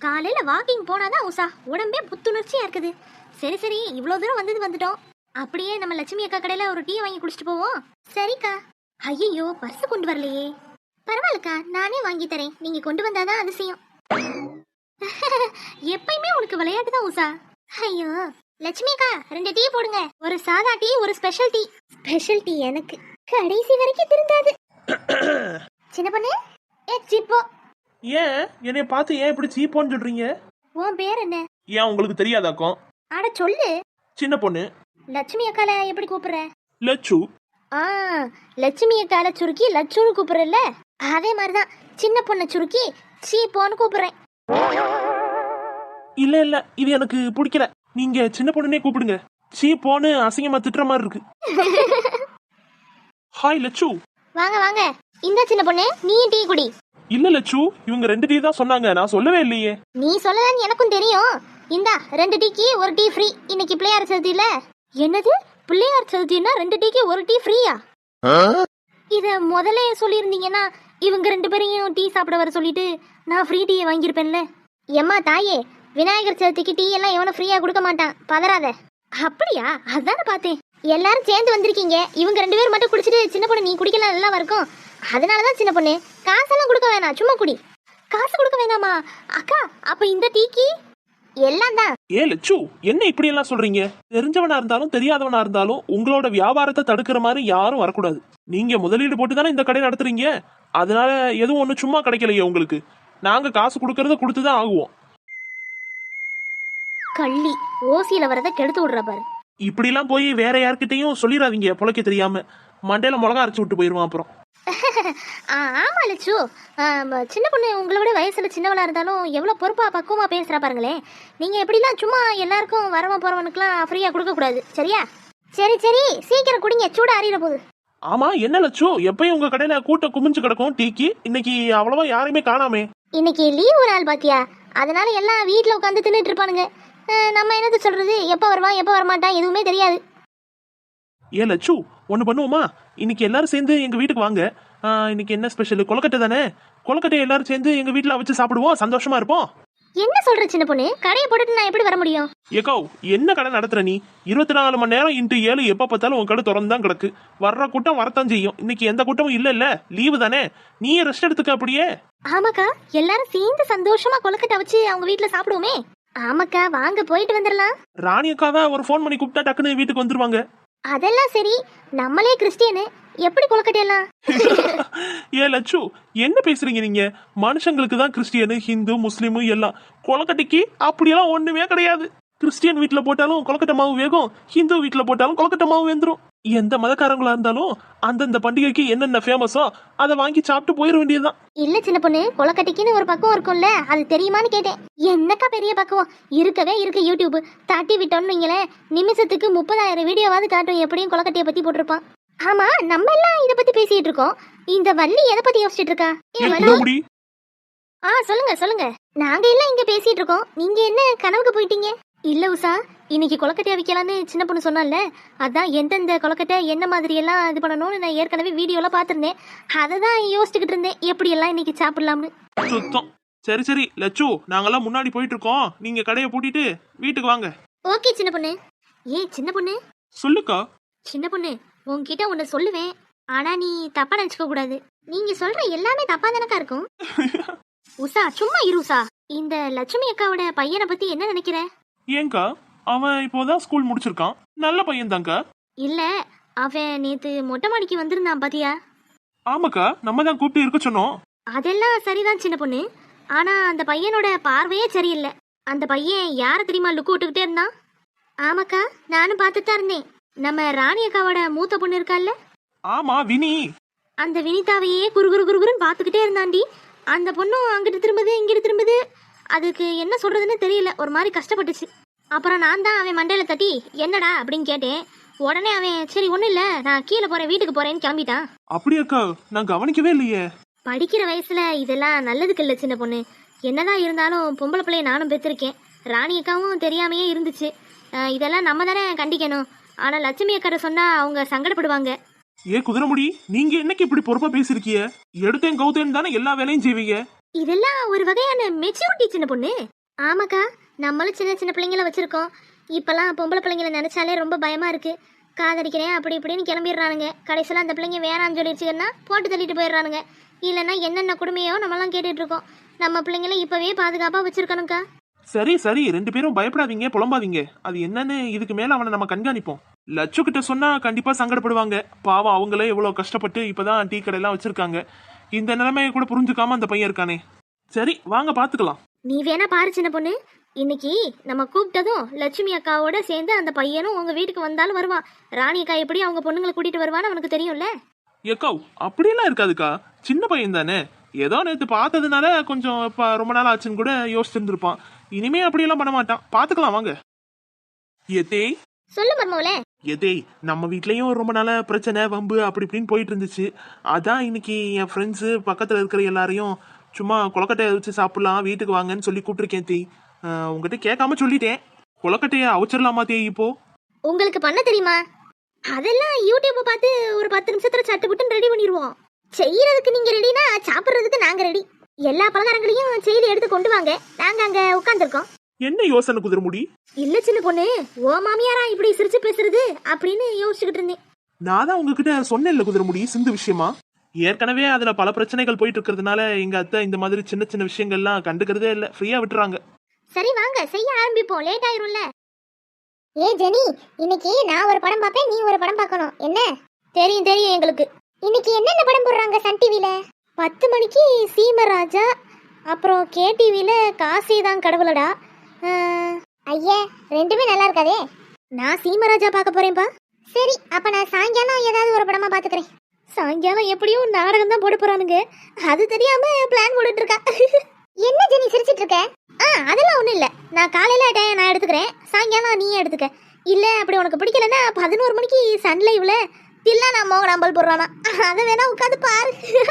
காலையில வாக்கிங் போனாதான் உஷா உடம்பே புத்துணர்ச்சியா இருக்குது. சரி சரி, இவ்வளவு தூரம் வந்துட்டோம். அப்படியே நம்ம லட்சுமி அக்கா கடையில ஒரு டீ வாங்கி குடிச்சிட்டு போவோம். சரிக்கா. ஐயோ, பர்ஸ் கொண்டு வரலையே. பரவாயில்லக்கா, நானே வாங்கி தரேன். நீங்க கொண்டு வந்தாதான் அதிசயம். எப்பயுமே உனக்கு விளையாட்டு தான் உஷா. ஐயோ லட்சுமி அக்கா, 2 டீ போடுங்க. ஒரு சாதா டீ, ஒரு ஸ்பெஷல் டீ. ஸ்பெஷல் டீ எனக்கு கடைசி வரைக்கும் திருந்தாது. சின்ன பொண்ணு, சிப்போ. ஏன் என்னைய பார்த்து ஏன் இப்படி சீப்போன்னு சொல்றீங்க? உன் பேர் என்ன? ஏன் உங்களுக்கு தெரியாதாக்கும்? அட சொல்லு. சின்ன பொண்ணு. லட்சுமி அக்கால எப்படி கூப்பிடுற? லட்சு. லட்சுமி அக்கால சுருக்கி லட்சுன்னு கூப்பிடுறல, அதே மாதிரிதான் சின்ன பொண்ணை சுருக்கி சீப்போன்னு கூப்பிடுறேன். இல்ல இது எனக்கு பிடிக்கல. நீங்க சின்ன பொண்ணுனே கூப்பிடுங்க. சீப்போன்னு அசிங்கமா திட்டுற மாதிரி இருக்கு. ஹாய் லட்சு. வாங்க வாங்க. இந்த சின்ன பொண்ணு, நீ டீ குடி. இல்ல லட்சு, இவங்க 2 டீ தான் சொன்னாங்க, நான் சொல்லவே இல்லையே. நீ சொல்லலன்னு எனக்கும் தெரியும். இந்தா 2 டீக்கு 1 டீ ஃப்ரீ. இன்னைக்கு பிள்ளையார் சதுர்த்தி இல்ல? என்னது பிள்ளையார் சதுர்த்தினா 2 டீக்கு 1 டீ ஃப்ரீயா? இத முதல்ல சொல்லியிருந்தீங்கன்னா இவங்க 2 பேரையும் டீ சாப்பிட வர சொல்லிட்டு நான் ஃப்ரீ டீயை வாங்கியிருப்பேன்ல. எம்மா தாயே, விநாயகர் சதுர்த்திக்கு டீ எல்லாம் எவனும் ஃப்ரீயா கொடுக்க மாட்டான், பதறாத. அப்படியா? அதானே பார்த்தேன். எல்லாரும் சேர்ந்து வந்திருக்கீங்க, இவங்க 2 பேரும் மட்டும் குடிச்சிட்டு சின்ன பொண்ணு நீ குடிக்கலாம் நல்லா இருக்கும். அதனாலதான் சின்ன பொண்ணு, காசெல்லாம் கொடுக்க வேணாம், சும்மா குடி. காசு கொடுக்க வேணாமா அக்கா? அப்ப இந்த டீக்கு எல்லாம் தான். ஏ லட்சு, என்ன இப்படி எல்லாம் சொல்றீங்க? தெரிஞ்சவனா இருந்தாலும் தெரியாதவனா இருந்தாலும் உங்களோட வியாபாரத்தை தடுக்கிற மாதிரி யாரும் வரக்கூடாது. நீங்க முதலீடு போட்டு தானே இந்த கடை நடத்துறீங்க. அதனால எதுவும் ஒண்ணு சும்மா கிடைக்கலையே உங்களுக்கு. நாங்க காசு கொடுக்கறத கொடுத்துதான் ஆகுவோம். கள்ளி ஓசியில வரத கெடுத்து விடுற பாரு. இப்படி எல்லாம் போய் வேற யார்கிட்டையும் சொல்லிடாதீங்க, பொழைக்க தெரியாம. மண்டையில மிளகா அரைச்சு விட்டு போயிருவான் அப்புறம். ஆமா லட்சு, சின்ன பொண்ணு உங்களை விட வயசுல சின்னவளா இருந்தாலும் எவ்வளவு பொறுப்பா பக்குவமா பேசுறா பாருங்களேன். நீங்க எப்படிலாம் சும்மா எல்லாருக்கும் வரவன் போறவனுக்குலாம் ஃப்ரீயா கொடுக்க கூடாது, சரியா? சரி சரி, சீக்கிரம் குடிங்க, சூட அறியிற போகுது. ஆமா என்ன லட்சு, எப்பயும் உங்க கடையில கூட்டம் குமிஞ்சு கிடக்கும் டீக்கு. இன்னைக்கு அவ்வளவா யாரையுமே காணாமே. இன்னைக்கு லீவ் ஒரு நாள் பாத்தியா, அதனால எல்லாம் வீட்டுல உட்காந்து தின்னுட்டு இருப்பானுங்க. நம்ம என்னது சொல்றது, எப்ப வருவான் எப்ப வரமாட்டான் எதுவுமே தெரியாது. ஏ லட்சு, ஒண்ணு பண்ணுவோமா? இன்னைக்கு எல்லாரும் சேர்ந்து எங்க வீட்டுக்கு வாங்க. இன்னைக்கு என்ன ஸ்பெஷல்? கொலக்கட்டை தானே? கொலக்கட்டை எல்லாரும் சேர்ந்து எங்க வீட்டுல வச்சு சாப்பிடுவோம், சந்தோஷமா இருப்போம். என்ன சொல்ற சின்ன பொண்ணு? கடையை போட்டுட்டு நான் எப்படி வர முடியும்? ஏக்கோ, என்ன கடை நடத்துற நீ? 24 மணி நேரம் இன்ட்டு 7 எப்ப பார்த்தாலும் உன் கடை திறந்து தான் கிடக்கு. வர்ற கூட்டம் வரத்தான் செய்யும். இன்னைக்கு எந்த கூட்டமும் இல்ல, லீவு தானே. நீயே ரெஸ்ட் எடுத்துக்க அப்படியே. ஆமாக்கா, எல்லாரும் சேர்ந்து சந்தோஷமா கொலக்கட்டை வச்சு அவங்க வீட்டுல சாப்பிடுவோமே. ஆமாக்கா, வாங்க போயிட்டு வந்துடலாம். ராணி அக்கா தான் ஒரு ஃபோன் பண்ணி கூப்பிட்டா டக்குன்னு வீட்டுக்கு வந்துருவாங்க. அதெல்லாம் சரி, நம்மளே கிறிஸ்டியனு, எப்படி கொலக்கட்டையெல்லாம்? ஏ லட்சு, என்ன பேசுறீங்க நீங்க? மனுஷங்களுக்கு தான் கிறிஸ்டியனு, ஹிந்து, முஸ்லீமு எல்லாம். கொலக்கட்டைக்கு அப்படியெல்லாம் ஒண்ணுமே கிடையாது. கிறிஸ்டியன் வீட்டுல போட்டாலும் கொலக்கட்டை மாவு வேகும், ஹிந்து வீட்டுல போட்டாலும் கொலக்கட்டை மாவு வெந்துரும். எந்த மதக்காரங்களா இருந்தாலும் அந்தந்த பண்டிகைக்கு என்னென்ன ஃபேமஸோ அதை வாங்கி சாப்பிட்டு போயிட வேண்டியதுதான். இல்ல சின்ன பொண்ணு, கொலக்கட்டைக்குன்னு ஒரு பக்குவம் இருக்கும்ல, அது தெரியுமான்னு கேட்டேன். என்னக்கா பெரிய பக்குவம் இருக்கவே இருக்கு. யூடியூப் தட்டி விட்டோம்னு நீங்களே நிமிஷத்துக்கு 30,000 வீடியோவாவது காட்டும் எப்படியும் கொலக்கட்டையை பத்தி போட்டிருப்பான். ஆமா, நம்ம எல்லாம் இத பத்தி பேசிட்டு இருக்கோம். இந்த வள்ளி எதை பத்தி யோசிச்சுட்டு இருக்கா? சொல்லுங்க சொல்லுங்க. நாங்க எல்லாம் இங்க பேசிட்டு இருக்கோம், நீங்க என்ன கனவுக்கு போயிட்டீங்க? இல்ல உஷா, இன்னைக்கு கொலக்கட்டையா விற்கலான்னு சின்ன பொண்ணு சொன்னால, அதான் எந்தெந்த கொலக்கட்டை என்ன மாதிரி எல்லாம் இது பண்ணணும்னு நான் ஏற்கனவே வீடியோல பாத்திருந்தேன். அதை தான் யோசிச்சுக்கிட்டு இருந்தேன், எப்படி எல்லாம் இன்னைக்கு சாப்பிடலாம்னு. சுத்தம். சரி சரி லட்சு, நாங்கெல்லாம் முன்னாடி போயிட்டு இருக்கோம். நீங்க கடையை பூட்டிட்டு வீட்டுக்கு வாங்க. ஓகே சின்ன பொண்ணு. சின்ன பொண்ணு. சொல்லுக்கா. சின்ன பொண்ணு, உன்கிட்ட ஒன்னு சொல்லுவேன், ஆனா நீ தப்பா நினைச்சுக்க கூடாது. நீங்க சொல்ற எல்லாமே தப்பா தானக்கா இருக்கும். உஷா சும்மா இரு உஷா. இந்த லட்சுமி அக்காவோட பையனை பத்தி என்ன நினைக்கிற? ஏங்கா, அவன் இப்போதான் ஸ்கூல் முடிச்சிருக்கான். நல்ல பையன் தாங்க. இல்ல, அவன் நேத்து மொட்டை மாடிக்கு வந்திருந்தான் பாத்தியா? ஆமாக்கா, நம்ம தான் கூப்பிட்டு இருக்க சொன்னோம். அதெல்லாம் சரிதான் சின்ன பொண்ணு, ஆனா அந்த பையனோட பார்வையே சரியில்லை. அந்த பையன் யார தெரியுமா லுக்கு விட்டுக்கிட்டே இருந்தான்? ஆமாக்கா, நானும் பார்த்துட்டு தான் இருந்தேன். நம்ம ராணி அக்காவோட மூத்த பொண்ணு இருக்கால்ல? ஆமா, வினி. அந்த வினிதாவையே குறுகுறுன்னு பார்த்துக்கிட்டே இருந்தாண்டி. அந்த பொண்ணும் அங்கிட்டு திரும்புது இங்கிட்டு திரும்புது, அதுக்கு என்ன சொல்றதுன்னு தெரியல, ஒரு மாதிரி கஷ்டப்பட்டுச்சு. அப்புறம் நான் தான் அவன் மண்டையில தட்டி என்னடா அப்படின்னு கேட்டேன். உடனே அவன் சரி ஒன்றும் இல்லை, நான் கீழே போறேன் வீட்டுக்கு போறேன்னு கிளம்பிட்டான். அப்படியாக்கா? நான் கவனிக்கவே இல்லையே. படிக்கிற வயசுல இதெல்லாம் நல்லதுக்கு இல்லை சின்ன பொண்ணு. என்னதான் இருந்தாலும் பொம்பளை பிள்ளைய நானும் பெற்றிருக்கேன், ராணி அக்காவும் தெரியாமையே இருந்துச்சு. இதெல்லாம் நம்ம தானே கண்டிக்கணும். ஆனா லட்சுமி அக்கறை சொன்னா அவங்க சங்கடப்படுவாங்க. ஏ குதிரைமுடி, நீங்க என்னைக்கு இப்படி பொறுப்பா பேசிருக்கீங்க? எடுத்தேன் கவுத்தேன்னு தானே எல்லா வேலையும் செய்வீங்க. இதெல்லாம் ஒரு வகையான மெச்சூரிட்டி சின்ன பொண்ணு. ஆமாக்கா, நம்மளும் சின்ன சின்ன பிள்ளைங்கள வச்சிருக்கோம். இப்பெல்லாம் பொம்பளை பிள்ளைங்கள நினைச்சாலே ரொம்ப பயமா இருக்கு. காதடிக்கிறேன் அப்படி இப்படின்னு கிளம்பிடுறானுங்க. கடைசியில் அந்த பிள்ளைங்க வேணான்னு சொல்லிடுச்சுன்னா போட்டு தள்ளிட்டு போயிடுறானுங்க. இல்லைன்னா என்னென்ன கொடுமையோ நம்மலாம் கேட்டுட்டு இருக்கோம். நம்ம பிள்ளைங்கள இப்பவே பாதுகாப்பா வச்சிருக்கணும்க்கா. சரி சரி, 2 பேரும் பயப்படாதீங்க, புலம்பாதீங்க. அது என்னன்னு இதுக்கு மேல அவனை நம்ம கண்காணிப்போம். லட்சு கிட்ட சொன்னா கண்டிப்பா சங்கடப்படுவாங்க. பாவம், அவங்களே எவ்வளவு கஷ்டப்பட்டு இப்பதான் டீ கடையெல்லாம் வச்சிருக்காங்க. இந்த நிலைமையை கூட புரிஞ்சுக்காம அந்த பையன் இருக்கானே. சரி வாங்க பாத்துக்கலாம். நீ வேணா பாரு சின்ன பொண்ணு, இன்னைக்கு நம்ம கூப்பிட்டதும் லட்சுமி அக்காவோட சேர்ந்து அந்த பையனும் உங்க வீட்டுக்கு வந்தாலும் வருவான். ராணி அக்கா எப்படி அவங்க பொண்ணுங்களை கூட்டிட்டு வருவான்னு அவனுக்கு தெரியும்ல. ஏக்கா அப்படியெல்லாம் இருக்காதுக்கா, சின்ன பையன் தானே. ஏதோ நேற்று பார்த்ததுனால கொஞ்சம் ரொம்ப நாள் ஆச்சுன்னு கூட யோசிச்சிருந்துருப்பான். இனிமே அப்படியெல்லாம் பண்ண மாட்டான். பாத்துக்கலாம் வாங்க. எதே சொல்லு மர்மோல. எதே, நம்ம வீட்லயும் ரொம்ப நாள பிரச்சனை வம்பு அப்படி இப்படின்னு போயிட்டு இருந்துச்சு. அதான் இன்னைக்கு என் ஃப்ரெண்ட்ஸு பக்கத்துல இருக்கிற எல்லாரையும் சும்மா கொலக்கட்டையை வச்சு சாப்பிடலாம், வீட்டுக்கு வாங்கன்னு சொல்லி கூப்பிட்டுருக்கேன் தே. உங்ககிட்ட கேட்காம சொல்லிட்டேன். கொலக்கட்டையை அவிச்சிடலாமா தே இப்போ? உங்களுக்கு பண்ண தெரியுமா? அதெல்லாம் யூடியூப் பார்த்து ஒரு 10 நிமிஷத்துல சட்டு புட்டுன்னு ரெடி பண்ணிடுவோம். செய்யறதுக்கு நீங்க ரெடினா சாப்பிடுறதுக்கு நாங்க ரெடி. எல்லா பலகாரங்களையும் செயலி எடுத்து கொண்டு வாங்க, நாங்க அங்க உட்கார்ந்துருக்கோம். என்ன யோசனை குதிரமுடி? இல்ல சின்ன பொண்ணு, ஓ மாமியாரா இப்படி சிரிச்சு பேசுறது அப்படின்னு யோசிச்சுக்கிட்டு இருந்தேன். நான் தான் உங்ககிட்ட சொன்னேன் இல்ல குதிரமுடி, சிந்து விஷயமா. ஏற்கனவே அதுல பல பிரச்சனைகள் போயிட்டு இருக்கிறதுனால எங்க அத்தை இந்த மாதிரி சின்ன சின்ன விஷயங்கள்லாம் கண்டுக்கிறதே இல்ல, ஃப்ரீயா விட்டுறாங்க. சரி வாங்க செய்ய ஆரம்பிப்போம், லேட் ஆயிரும்ல. ஏ ஜெனி, இன்னைக்கு நான் ஒரு படம் பார்ப்பேன், நீ ஒரு படம் பார்க்கணும். என்ன? தெரியும் தெரியும் எங்களுக்கு. இன்னைக்கு என்னென்ன படம் போடுறாங்க சன் டிவில? 10 மணிக்கு சீமராஜா, அப்புறம் கேடிவில காசிதான் கடவுளடா. ஐயா, ரெண்டுமே நல்லா இருக்காதே. நான் சீமராஜா பார்க்க போறேன்பா. சரி, அப்ப நான் சாயங்காலம் ஏதாவது ஒரு படமா பாத்துக்கிறேன். சாயங்காலம் எப்படியும் நாடகம் தான் போட போறானுங்க, அது தெரியாம பிளான் போட்டுட்டு இருக்கா. என்ன ஜெனி சிரிச்சிட்டு இருக்க? அதெல்லாம் ஒண்ணும் இல்ல. நான் காலையில நான் எடுத்துக்கிறேன், சாயங்காலம் நீயே எடுத்துக்க. இல்ல அப்படி உனக்கு பிடிக்கலன்னா 11 மணிக்கு சன் லைவ்ல தில்லா நான் மோகனாம்பல் போடுறானா, அதை வேணா உட்காந்து பாரு.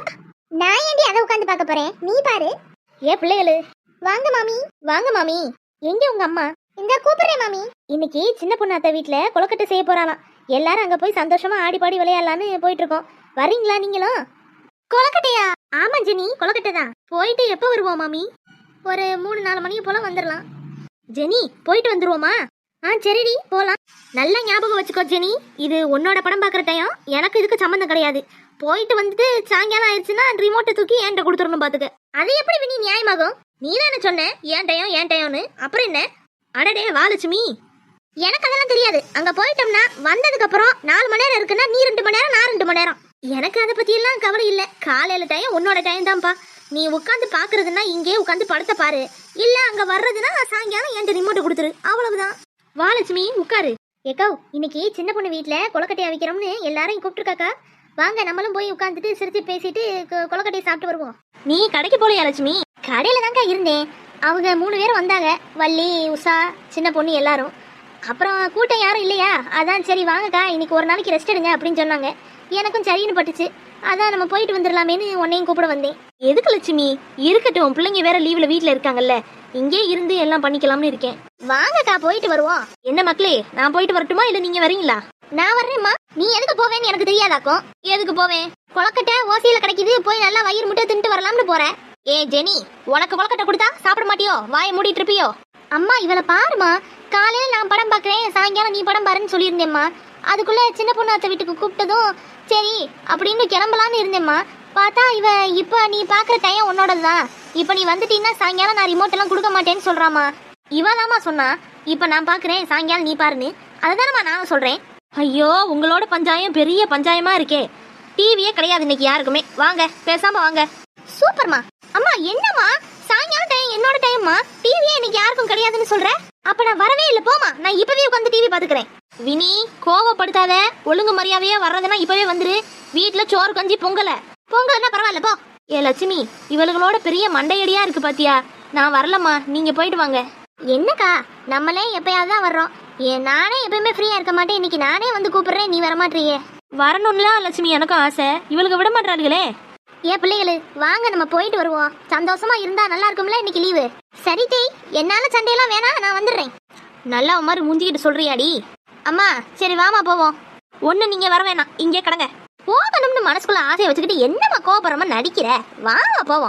நான் ஏண்டி அதை உட்காந்து பார்க்க போறேன், நீ பாரு. ஏ பிள்ளைகளு, வாங்க மாமி. வாங்க மாமி. எங்க உங்க அம்மா? இந்த கூப்பிடுறேன் மாமி. இன்னைக்கு சின்ன பொண்ணு அத்தை வீட்டுல கொலக்கட்டை செய்ய போறானா. எல்லாரும் அங்க போய் சந்தோஷமா ஆடி பாடி விளையாடலான்னு போயிட்டு இருக்கோம். வரீங்களா நீங்களும்? கொலக்கட்டையா? ஆமா ஜெனி, கொலக்கட்டை தான். போயிட்டு எப்போ வருவோம் மாமி? ஒரு 3-4 மணி போல வந்துடலாம். ஜெனி போயிட்டு வந்துருவோமா? சரிடி போலாம். நல்லா ஞாபகம் வச்சுக்கோ ஜெனி, இது உன்னோட படம் பார்க்குற டைம், எனக்கு இதுக்கு சம்மந்தம் கிடையாது. போயிட்டு வந்துட்டு சாயங்காலம் ஆயிடுச்சுன்னா ரிமோட்டை தூக்கி என்கிட்ட கொடுத்துடணும் பாத்துக்க. அது எப்படி வினி நியாயமாகும்? நீ தானே சொன்ன ஏன் டயம்னு, அப்புறம் என்ன? அடடே வாலட்சுமி, எனக்கு அதெல்லாம் தெரியாது. அங்க போயிட்டோம்னா வந்ததுக்கு அப்புறம் 4 மணி நேரம் இருக்குன்னா நீ 2 மணி நேரம், நான் 2 மணி நேரம். எனக்கு அதை பத்தி எல்லாம் கவலை இல்ல. காலையில டைம் உன்னோட டைம் தான்ப்பா. நீ உட்காந்து பாக்குறதுன்னா இங்கே உட்காந்து படத்தை பாரு, இல்ல அங்க வர்றதுன்னா சாயங்காலம் என்கிட்ட ரிமோட்டை கொடுத்துரு, அவ்வளவுதான். வாலட்சுமி உட்காரு. ஏக்கோ, இன்னைக்கு சின்ன பொண்ணு வீட்டுல கொலக்கட்டையா வைக்கிறோம்னு எல்லாரையும் கூப்பிட்டுருக்காக்கா. வாங்க நம்மளும் போய் உட்காந்துட்டு சிரிச்சு பேசிட்டு கொலக்கட்டையை சாப்பிட்டு வருவோம். நீ கடைக்கு போலையா லட்சுமி? கடையில தான்க்கா இருந்தேன். அவங்க 3 பேரும் வந்தாங்க, வள்ளி, உஷா, சின்ன பொண்ணு எல்லாரும். அப்புறம் கூட்டம் யாரும் இல்லையா, அதான் சரி வாங்கக்கா இன்னைக்கு ஒரு நாளைக்கு ரெஸ்ட் எடுங்க அப்படின்னு சொன்னாங்க. எனக்கும் சரின்னு பட்டுச்சு, அதான் நம்ம போயிட்டு வந்துடலாமேன்னு உன்னையும் கூப்பிட வந்தேன். எதுக்கு லட்சுமி? இருக்கட்டும், பிள்ளைங்க வேற லீவ்ல வீட்டுல இருக்காங்கல்ல, இங்கே இருந்து எல்லாம் பண்ணிக்கலாம்னு இருக்கேன். வாங்கக்கா போயிட்டு வருவோம். என்ன மக்களே, நான் போயிட்டு வரட்டுமா இல்ல நீங்க வரீங்களா? நான் வர்றேம்மா. நீ எதுக்கு போவேன்னு எனக்கு தெரியாதாக்கும். எதுக்கு போவேன்? கொலக்கட்டை ஓசியில கிடைக்குது, போய் நல்லா வயிறு முட்டை தின்ட்டு வரலாம்னு போறேன். ஏ ஜெனி, உனக்கு கொலக்கட்டை கொடுத்தா சாப்பிட மாட்டியோ? வாயை மூடிட்டு இருப்பியோ? அம்மா இவளை பாருமா, காலையில நான் படம் பாக்குறேன், சாயங்காலம் நீ படம் பாருன்னு சொல்லியிருந்தேம்மா. அதுக்குள்ள சின்ன பொண்ணு அத்தை வீட்டுக்கு கூப்பிட்டதும் சரி அப்படின்னு கிளம்பலான்னு இருந்தேம்மா. பார்த்தா இவ இப்ப நீ பாக்குற டைம் உன்னோடதுதான், இப்ப நீ வந்துட்டீங்கன்னா சாயங்காலம் நான் ரிமோட் எல்லாம் கொடுக்க மாட்டேன்னு சொல்றாமா. இவதாமா சொன்னா இப்ப நான் பாக்குறேன் சாயங்காலம் நீ பாருன்னு, அதுதானம்மா நானும் சொல்றேன். ஐயோ, உங்களோட பஞ்சாயம் பெரிய பஞ்சாயமா இருக்கே. டிவியே கிடையாது இன்னைக்கு யாருக்குமே. வாங்க பேசாம வாங்க. சூப்பர்மா. அம்மா என்னம்மா, சாயங்காலம் டைம் என்னோட டைம்மா, டிவியே இன்னைக்கு யாருக்கும் கிடையாதுன்னு சொல்ற? அப்ப நான் வரவே இல்லை, போமா, நான் இப்பவே உட்காந்து டிவி பாத்துக்கிறேன். வினி கோவப்படுத்தாத, ஒழுங்கு மரியாதையா வர்றதுன்னா இப்பவே வந்துரு. வீட்டுல சோறு கஞ்சி பொங்கலன்னா பரவாயில்ல போ. ஏ லட்சுமி, இவளுகளோட பெரிய மண்டையடியா இருக்கு பாத்தியா. நான் வரலம்மா, நீங்க போயிட்டு வாங்க. என்னக்கா, நம்மளே எப்பயாவது தான் வர்றோம். நானே எப்பயுமே ஃப்ரீயா இருக்க மாட்டேன், இன்னைக்கு நானே வந்து கூப்பிடுறேன், நீ வரமாட்டீங்க. வரணும்ல லட்சுமி, எனக்கும் ஆசை, இவளுக்கு விட மாட்டாளுகளே. ஏன் பிள்ளைகளு வாங்க நம்ம போயிட்டு வருவோம், சந்தோஷமா இருந்தா நல்லா இருக்கும்ல இன்னைக்கு லீவு. சரி தேய், என்னால சண்டையெல்லாம் வேணாம், நான் வந்துடுறேன். நல்லா மாதிரி முந்திக்கிட்டு சொல்றியாடி. அம்மா சரி வாமா போவோம். ஒண்ணு நீங்க வர வேணாம், இங்கே கடங்க. போகணும்னு மனசுக்குள்ள ஆசையை வச்சுக்கிட்டு என்னம்மா கோபுரமா நடிக்கிற? வாங்க போவோம்.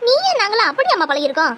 நீயும் நாங்களும் அப்படி அம்மா பழகிருக்கோம்.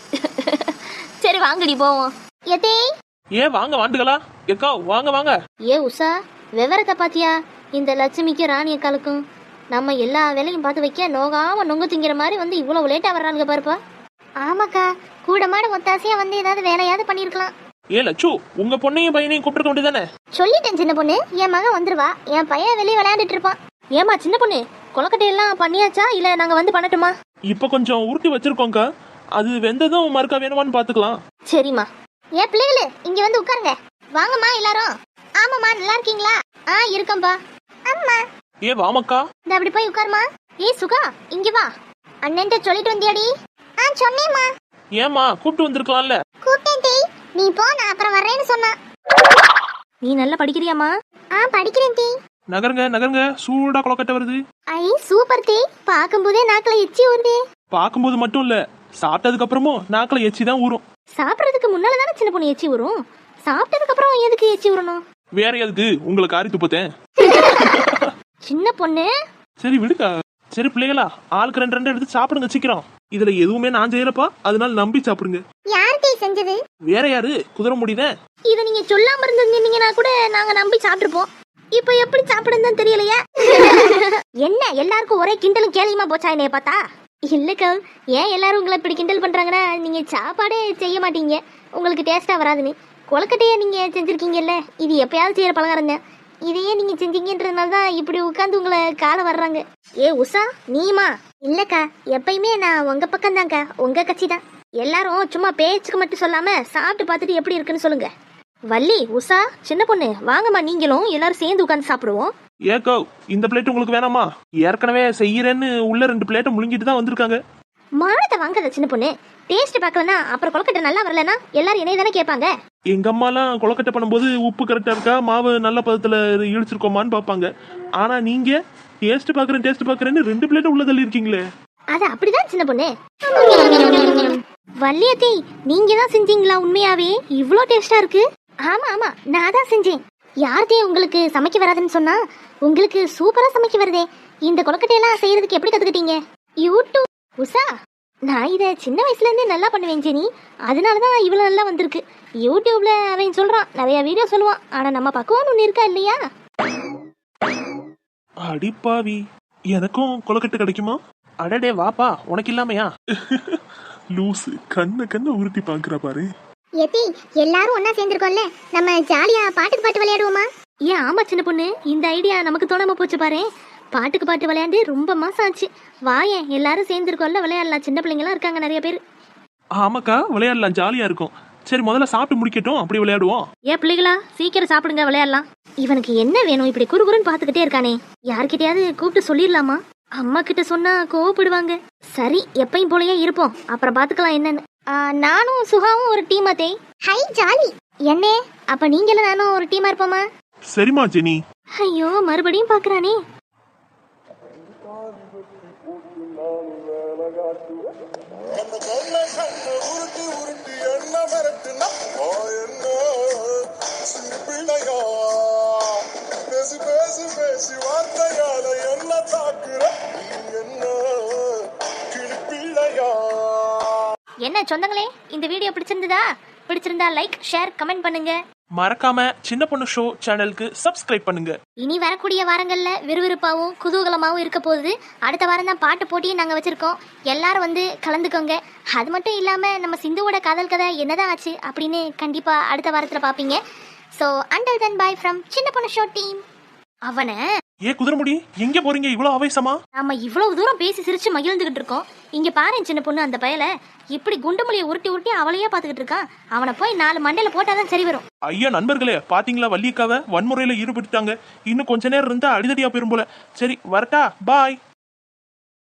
சரி வாங்கடி போவோம். எதே ஏன் வாங்க வாண்டுகளா எக்கா வாங்க வாங்க. ஏ உஷா, விவரத்தை பாத்தியா? இந்த லட்சுமிக்கு ராணி அக்காளுக்கும் நம்ம எல்லா வேலையும் பார்த்து வைக்க நோகாம நொங்கு திங்கிற மாதிரி வந்து இவ்வளவு லேட்டா வர்றாங்க பாருப்பா. ஆமாக்கா, கூட மாட ஒத்தாசையா வந்து ஏதாவது வேலையாவது பண்ணிருக்கலாம். ஏ லட்சு, உங்க பொண்ணையும் பையனையும் கூப்பிட்டு வேண்டியதானே? சொல்லிட்டேன் சின்ன பொண்ணு, என் மகன் வந்துருவா, என் பையன் வெளியே விளையாண்டுட்டு இருப்பான். ஏமா சின்ன பொண்ணு, கொலக்கட்டையெல்லாம் பண்ணியாச்சா இல்ல நாங்க வந்து பண்ணட்டுமா? இப்ப கொஞ்சம் உருட்டி வச்சிருக்கோங்க, அது வெந்ததும் மறுக்கா வேணுமான்னு பாத்துக்கலாம். சரிம்மா. ஏன் பிள்ளைகளு இங்க வந்து உட்காருங்க. வாங்கம்மா எல்லாரும். ஆமாம்மா, நல்லா இருக்கீங்களா? இருக்கம்பா. அம்மா ஏ வாமக்கா. இந்த அப்படி போய் உட்காருமா. ஏய் சுகா, இங்க வா. அண்ணன்ட்ட சொல்லிட்டு வந்தியாடி? சொன்னேம்மா. ஏமா கூப்பிட்டு வந்திருக்கலாம்ல. கூப்பிட்டேன் டீ, நீ போ, நான் அப்புறம் வரேன்னு சொன்னா. நீ நல்லா படிக்கிறியாமா? படிக்கிறேன் டீ. நகருங்க நகருங்க, சூடா கொலக்கட்டை வருது. ஐ சூப்பர் டீ, பாக்கும்போதே நாக்குல எச்சி ஊறுதே. பாக்கும்போது மட்டும் இல்ல, சாப்பிட்டதுக்கு அப்புறமும் நாக்குல எச்சி தான் ஊறும். சாப்பிடுறதுக்கு முன்னால தானே சின்ன பொண்ணு எச்சி ஊறும், சாப்பிட்டதுக்கு அப்புறம் எதுக்கு எச்சி ஊறணும்? வேற எதுக்கு உங்களுக்கு ஆரி துப்பத்தேன். சின்ன பொண்ணு. சரி விடுக்கா. சரி பிள்ளைகளா, ஆளுக்கு 2 எடுத்து சாப்பிடுங்க சீக்கிரம். இதுல எதுவுமே நான் செய்யலப்பா, அதனால நம்பி சாப்பிடுங்க. யார் டீ செஞ்சது? வேற யாரு, குதிரை முடிதான். இத நீங்க சொல்லாம இருந்தீங்கன்னா கூட நாங்க நம்பி சாப்பிட்டுருப்போம். இப்ப எப்படி சாப்பிடுன்னு தெரியலையா? என்ன எல்லாருக்கும் ஒரே கிண்டலும் கேலியுமா போச்சா என்னைய பார்த்தா? இல்லக்கா, ஏன் எல்லாரும் உங்களை இப்படி கிண்டல் பண்றாங்கன்னா, நீங்க சாப்பாடே செய்ய மாட்டீங்க, உங்களுக்கு டேஸ்டா வராதுன்னு. கொலக்கட்டையை நீங்க செஞ்சிருக்கீங்கல்ல, இது எப்பயாவது செய்யற பலகாரம் தான். இதையே நீங்க செஞ்சீங்கன்றதுனால தான் இப்படி உட்காந்து உங்களை கால வர்றாங்க. ஏ உஷா, நீமா? இல்லக்கா, எப்பயுமே நான் உங்க பக்கம் தான்க்கா, உங்க கட்சி தான். எல்லாரும் சும்மா பேச்சுக்கு மட்டும் சொல்லாம சாப்பிட்டு பார்த்துட்டு எப்படி இருக்குன்னு சொல்லுங்க. வள்ளி, உஷா, சின்ன பொண்ணு வாங்கம்மா, நீங்களும் எல்லாரும் சேர்ந்து உட்காந்து சாப்பிடுவோம். ஏக்கோ, இந்த பிளேட் உங்களுக்கு வேணாமா? ஏற்கனவே செய்யறேன்னு உள்ள 2 பிளேட்டை முழுங்கிட்டு தான் வந்திருக்காங்க. மானத்தை வாங்காத சின்ன பொண்ணு, டேஸ்ட் பார்க்கலனா அப்புறம் கொலக்கட்டை நல்லா வரலனா எல்லாரும் என்னைய தானே கேட்பாங்க. எங்க அம்மாலாம் கொலக்கட்டை பண்ணும்போது உப்பு கரெக்டா இருக்கா, மாவு நல்ல பதத்துல இழிச்சிருக்கோமான்னு பாப்பாங்க. ஆனா நீங்க டேஸ்ட் பாக்குறேன்னு 2 பிளேட் உள்ள தள்ளி இருக்கீங்களே. அது அப்படிதான் சின்ன பொண்ணு. வள்ளியத்தை, நீங்க தான் செஞ்சீங்களா? உண்மையாவே இவ்ளோ டேஸ்டா இருக்கு? ஆமா ஆமா, நான் தான் செஞ்சேன். யார்தே உங்களுக்கு சமைக்க வராதுன்னு சொன்னா? உங்களுக்கு சூப்பரா சமைக்க வருதே. இந்த கொலக்கட்டையெல்லாம் செய்யறதுக்கு எப்படி கத்துக்கிட்டீங்க? யூடியூப். உஷா, நான் இதை சின்ன வயசுல இருந்தே நல்லா பண்ணுவேன் ஜெனி, அதனாலதான் இவ்வளவு நல்லா வந்திருக்கு. யூடியூப்ல அவன் சொல்றான், நிறைய வீடியோ சொல்லுவான், ஆனா நம்ம பக்குவம் ஒண்ணு இருக்கா இல்லையா? அடிப்பாவி, எனக்கும் கொலக்கட்டை கிடைக்குமா? அடடே வாப்பா, உனக்கு இல்லாமையா? லூசு, கண்ண உருட்டி பாக்குற பாரு. எத்தி, எல்லாரும் ஒண்ணா சேர்ந்திருக்கோம்ல, நம்ம ஜாலியா பாட்டுக்கு பாட்டு விளையாடுவோமா? ஏன் ஆமா சின்ன பொண்ணு, இந்த ஐடியா நமக்கு தோணாம போச்சு பாரு. பாட்டுக்கு பாட்டு விளையாண்டு ரொம்ப மாசம் ஆச்சு. வாயேன், எல்லாரும் சேர்ந்திருக்கோம்ல, விளையாடலாம். சின்ன பிள்ளைங்களாம் இருக்காங்க நிறைய பேர். ஆமாக்கா, விளையாடலாம், ஜாலியா இருக்கும். சரி முதல்ல சாப்பிட்டு முடிக்கட்டும், அப்படி விளையாடுவோம். ஏன் பிள்ளைகளா, சீக்கிரம் சாப்பிடுங்க, விளையாடலாம். இவனுக்கு என்ன வேணும்? இப்படி குறுகுறுன்னு பாத்துக்கிட்டே இருக்கானே. யார்கிட்டயாவது கூப்பிட்டு சொல்லிடலாமா? அம்மா கிட்ட சொன்னா கோவப்படுவாங்க. சரி, எப்பயும் போலயே இருப்போம், அப்புறம் பாத்துக்கலாம் என்னன்னு. நானும் சுகாவும் ஒரு டீம் அதே. Hi jolly. என்ன, அப்ப நீங்களும் நானும் ஒரு டீமா இருப்போமா? சரிமா ஜெனி. ஐயோ, மறுபடியும் பாக்குறானே. என்ன சொந்தங்களே, இந்த வீடியோ பிடிச்சிருந்தா லைக், ஷேர், கமெண்ட் பண்ணுங்க. மறக்காம சின்ன பொண்ணு ஷோ சேனலுக்கு சப்ஸ்கிரைப் பண்ணுங்க. இனி வரக்கூடிய வாரங்கள்ல விறுவிறுப்பாவும் குதூகலமாவும் இருக்க போகுது. அடுத்த வாரம் தான் பாட்டு போட்டியும் நாங்க வச்சிருக்கோம், எல்லாரும் வந்து கலந்துக்கோங்க. அது மட்டும் இல்லாம நம்ம சிந்துவோட காதல் கதை என்னதான் ஆச்சு அப்படின்னு கண்டிப்பா அடுத்த வாரத்துல பாப்பீங்க. So until then bye from சின்ன பொண்ணு ஷோ டீம். அவனை ஏ குதிரமுடி, எங்க போறீங்க இவ்வளவு ஆவேசமா? நாம இவ்வளவு தூரம் பேசி சிரிச்சு மகிழ்ந்துகிட்டு இருக்கோம். இங்க பாரு சின்ன பொண்ணு, அந்த பயல இப்படி குண்டுமொழியை உருட்டி அவளையே பாத்துக்கிட்டு இருக்கான். அவனை போய் 4 மண்டையில போட்டாதான் சரி வரும். ஐயா நண்பர்களே, பாத்தீங்களா வள்ளியக்காவை வன்முறையில ஈடுபட்டுட்டாங்க. இன்னும் கொஞ்ச நேரம் இருந்தா அடிதடியா போயிரும் போல. சரி வரட்டா, பாய்.